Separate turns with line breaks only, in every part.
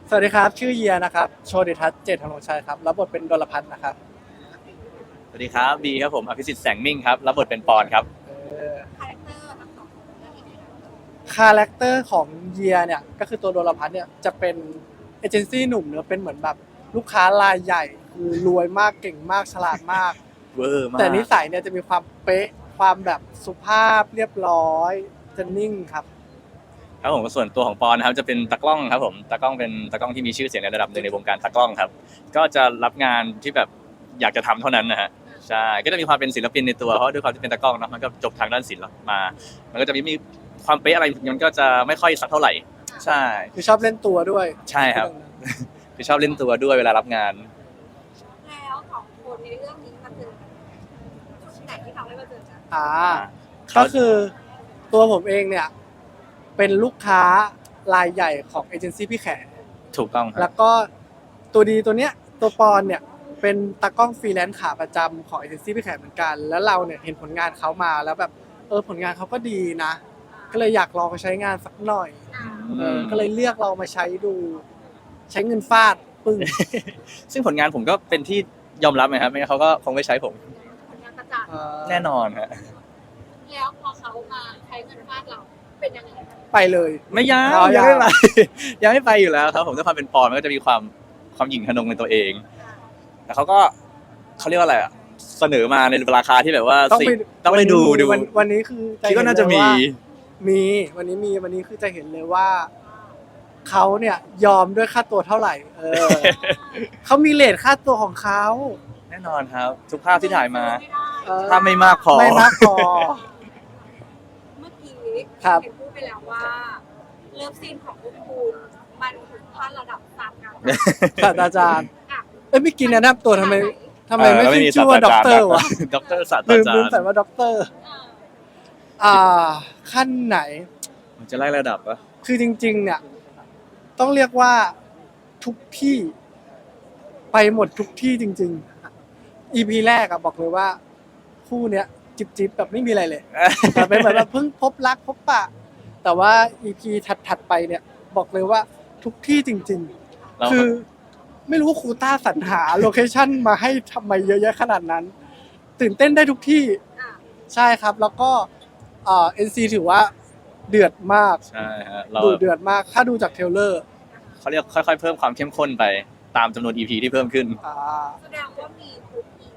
สวัสดีครับชื่อเยียนะครับโชติทัศน์เจตธนงชัยครับรับบทเป็นดลพัฒน์นะครับ
สวัสดีครับบีครับผมอภิสิทธิ์แสงมิ่งครับรับบทเป็นปอนครับ
คาแรคเตอร์ทั้งสองคาแรคเตอร์ของเยียเนี่ยก็คือตัวดลพัฒน์เนี่ยจะเป็นเอเจนซี่หนุ่มเนอะเป็นเหมือนแบบลูกค้ารายใหญ่คือรวยมากเก่งมากฉลาดมาก
เวอร์มาก
แต่นิสัยเนี่ยจะมีความเป๊ะความแบบสุภาพเรียบร้อยจะนิ่งครับ
ครับผมส่วนตัวของปอนนะครับจะเป็นตากล้องครับผมตากล้องเป็นตากล้องที่มีชื่อเสียงในระดับหนึ่งในวงการตากล้องครับก็จะรับงานที่แบบอยากจะทำเท่านั้นนะฮะใช่ก็จะมีความเป็นศิลปินในตัวเพราะด้วยความที่เป็นตากล้องเนาะมันก็จบทางด้านศิลป์มามันก็จะมีความเป๊ะอะไรมันก็จะไม่ค่อยสักเท่าไหร่ใช่
คือชอบเล่นตัวด้วย
ใช่ครับคือชอบเล่นตัวด้วยเวลารับงาน
แล้วสองคนในเรื่องนี้มาเจอกันจุดไหนที่ทำให้มาเจอกัน
ก็คือตัวผมเองเนี่ยเป็นลูกค้ารายใหญ่ของเอเจนซี่พี่แขก
ถูกต้องครั
แล้วก็ตัวดีตัวเนี้ยตัวปอนเนี่ยเป็นตากล้องฟรีแลนซ์ขาประจำของเอเจนซี่พี่แขกเหมือนกันแล้วเราเนี่ยเห็นผลงานเขามาแล้วแบบผลงานเขาก็ดีนะก็เลยอยากลองไปใช้งานสักหน่อยก็เลยเลือกเรามาใช้ดูใช้เงินฟาดปึ้ง
ซึ่งผลงานผมก็เป็นที่ยอมรับนะครับไม่งั้นเขาก็คงไม่ใช้ผม
ผลงานประจักษ์
แน่นอนฮะ
แล้วพอเขามาใช้เงินฟาดเราเป็นยังไง
ไปเลย
ไม่ยังไม่ไป ยังไม่ไปอยู่แล้วครับผมด้วยความเป็นปอนมันก็จะมีความหยิ่งทะนงในตัวเองแต่เขาก็เขาเรียกว่าอะไรอ่ะเสนอมาในราคาที่แบบว่าต้องไปดู
วันนี้คือ
คิดว่าน่าจะ
มีวันนี้คือจะเห็นเลยว่าเขาเนี่ยยอมด้วยค่าตัวเท่าไหร่เขามีเรทค่าตัวของเขา
แน่นอนครับทุกภาพที่ถ่ายมาถ้าไม่มากพอ
เ
มื่อกี้
ครับ
เห็นพูดไปแล้วว่าเลิฟซีนของพวกคุณมันถึงขั้นระดับศาสตรา
ศาสตราจารย์ไม่กินแนะนำตัวทำไมไม่ชื่อว่าด็อกเตอร์วะ
ด็อกเตอร์ศาสตราจารย์
ลืมใส่ว่าด็อกเตอร์ขั้นไหน
มันจะไล่ระดับปะ
คือจริงๆเนี่ยต้องเรียกว่าทุกที่ไปหมดทุกที่จริงๆ EP แรกบอกเลยว่าคู่เนี้ยจิบแบบไม่มีอะไรเลยแต่เป็นแบบเพิ่งพบรักพบปะแต่ว่า EP ถัดไปเนี่ยบอกเลยว่าทุกที่จริงๆคือไม่รู้ว่าครูต้าสรรหาโลเคชั่นมาให้ทำไมเยอะแยะขนาดนั้นตื่นเต้นได้ทุกที่ใช่ครับแล้วก็NC ถือว่าเดือดมาก
ใช่ฮะ
ดูเดือดมากถ้าดูจากเทรลเลอร์
เขาเรียกค่อยๆเพิ่มความเข้มข้นไปตามจำนวน EP ที่เพิ่มขึ้น
แสดงว่ามีทุก EP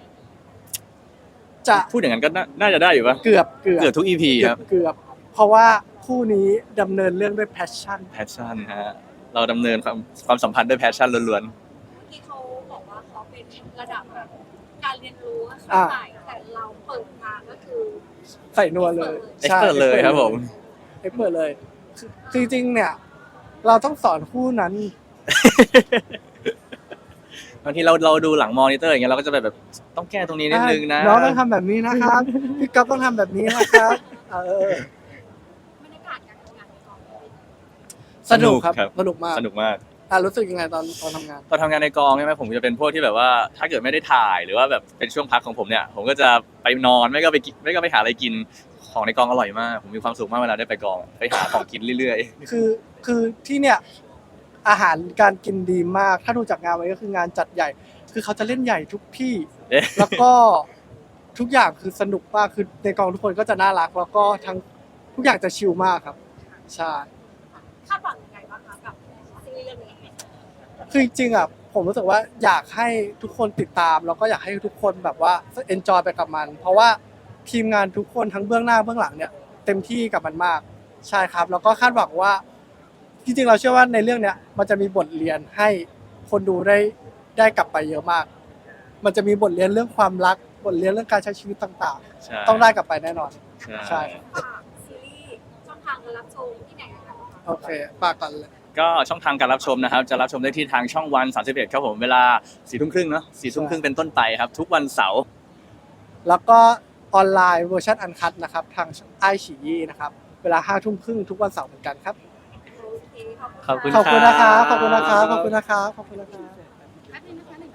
จะ
พูดอย่างนั้นก็น่าจะได้อยู่ปะ
เกือบ
ทุก EP ครับ
เกือบเพราะว่าคู่นี้ดำเนินเรื่องด้วยแพชชั่น
ฮะเราดำเนินความสัมพันธ์ด้วยแพชชั่นล้วน
ๆที่เขาบอกว่าเขาเป็นระดับแบบการเรียนรู้ใส่แต่เราเปิดมาก็คือ
ใส่นัวเลย
เอ็กซ์เพิร์ทเลยครับผม
เอ็กซ์เพิร์ทเลยจริงๆเนี่ยเราต้องสอนคู่นั้น
บางทีเราดูหลังมอนิเตอร์อย่างเงี้ยเราก็จะแบบต้องแก้ตรงนี้นิดนึงนะ
น้องต้องทำแบบนี้นะครับพี่ก๊อฟต้องทำแบบนี้นะครับ
บรรยากาศการทำงานในกอง
สนุกครับสนุกมากรู้สึกยังไงตอนทำงาน
ในกองใช่ไหมผมจะเป็นพวกที่แบบว่าถ้าเกิดไม่ได้ถ่ายหรือว่าแบบเป็นช่วงพักของผมเนี่ยผมก็จะไปนอนไม่ก็ไปหาอะไรกินของในกองอร่อยมากผมมีความสุขมากเวลาได้ไปกองไปหาของกินเรื่อย
ๆคือที่เนี่ยอาหารการกินดีมากถ้าดูจากงานไว้ก็คืองานจัดใหญ่คือเขาจะเล่นใหญ่ทุกที่แล้วก็ทุกอย่างคือสนุกมากคือในกองทุกคนก็จะน่ารักแล้วก็ทั้งทุกอย่างจะชิลมากครับใช่
คาดหวังยังไงบ้างคะกับซีรีส์เรื่องนี้
คือจริงๆผมรู้สึกว่าอยากให้ทุกคนติดตามแล้วก็อยากให้ทุกคนแบบว่าเอนจอยไปกับมันเพราะว่าทีมงานทุกคนทั้งเบื้องหน้าเบื้องหลังเนี่ยเต็มที่กับมันมากใช่ครับแล้วก็คาดหวังว่าจริงๆเราเชื่อว่าในเรื่องเนี้ยมันจะมีบทเรียนให้คนดูได้กลับไปเยอะมากมันจะมีบทเรียนเรื่องความรักบทเรียนเรื่องการใช้ชีวิตต่างๆต้องได้กลับไปแน่นอนใช่
ซีรีส์ช่องทางการรับชมที่ไหนกัน
โอเคฝากก่อนเลย
ก็ช่องทางการรับชมนะครับจะรับชมได้ที่ทางช่องวัน31ครับผมเวลา 22:30 เนาะ 22:30 เป็นต้นไปครับทุกวันเสาร์
แล้วก็ออนไลน์เวอร์ชันอันคัทนะครับทางไอฉี่นะครับเวลา 5:30 ทุกวันเสาร์เหมือนกันครับ
ขอบคุณ
นะครับขอบคุณนะครับ